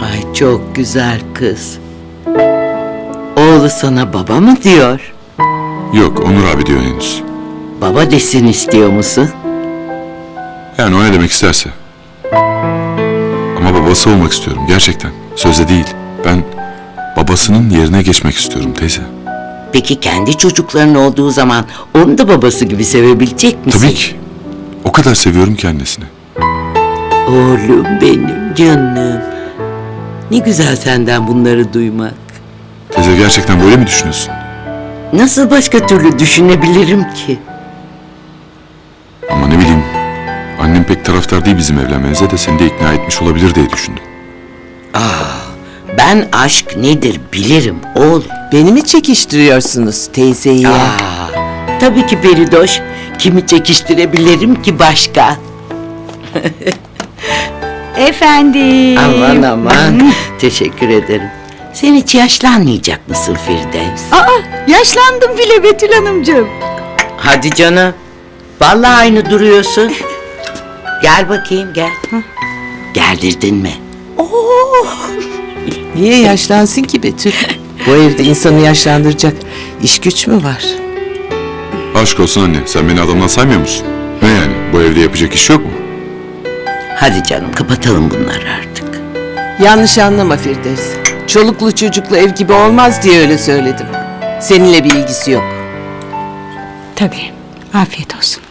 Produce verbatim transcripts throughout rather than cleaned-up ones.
Ay çok güzel kız. Oğlu sana baba mı diyor? Yok, Onur abi diyor henüz. Baba desin istiyor musun? Yani o ne demek isterse. Ama babası olmak istiyorum gerçekten. Sözde değil. Ben babasının yerine geçmek istiyorum teyze. Peki kendi çocukların olduğu zaman onu da babası gibi sevebilecek misin? Tabii ki. O kadar seviyorum ki annesini. Oğlum benim canım. Ne güzel senden bunları duymak. Teyze gerçekten böyle mi düşünüyorsun? Nasıl başka türlü düşünebilirim ki? Ama ne bileyim. Annem pek taraftar değil bizim evlenmenize de seni de ikna etmiş olabilir diye düşündüm. Ben aşk nedir bilirim oğlum. Beni mi çekiştiriyorsunuz teyzeyi? Aa, tabii ki Peridoş. Kimi çekiştirebilirim ki başka? Efendim. Aman aman. Teşekkür ederim. Sen hiç yaşlanmayacak mısın Firdevs? Aa, yaşlandım bile Betül Hanımcığım. Hadi canım. Vallahi aynı duruyorsun. Gel bakayım gel. Gerdirdin mi? Niye yaşlansın ki Betül? Bu evde insanı yaşlandıracak iş güç mü var? Aşk olsun anne. Sen beni adamdan saymıyor musun? Ne yani? Bu evde yapacak iş yok mu? Hadi canım kapatalım bunları artık. Yanlış anlama Firdevs. Çoluklu çocuklu ev gibi olmaz diye öyle söyledim. Seninle bir ilgisi yok. Tabii. Afiyet olsun.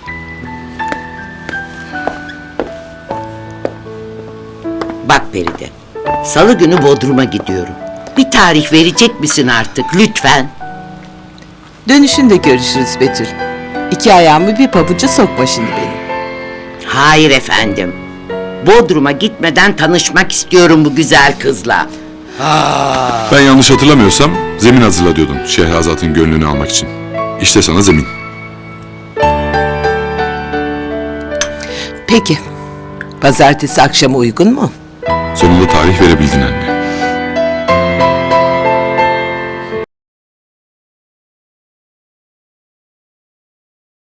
Bak Feride. Salı günü Bodrum'a gidiyorum. Bir tarih verecek misin artık lütfen? Dönüşünde görüşürüz Betül. İki ayağımı bir pabuca sokma şimdi beni. Hayır efendim. Bodrum'a gitmeden tanışmak istiyorum bu güzel kızla. Ben yanlış hatırlamıyorsam zemin hazırla diyordun Şehrazat'ın gönlünü almak için. İşte sana zemin. Peki. Pazartesi akşamı uygun mu? Sonunda tarih verebildin anne.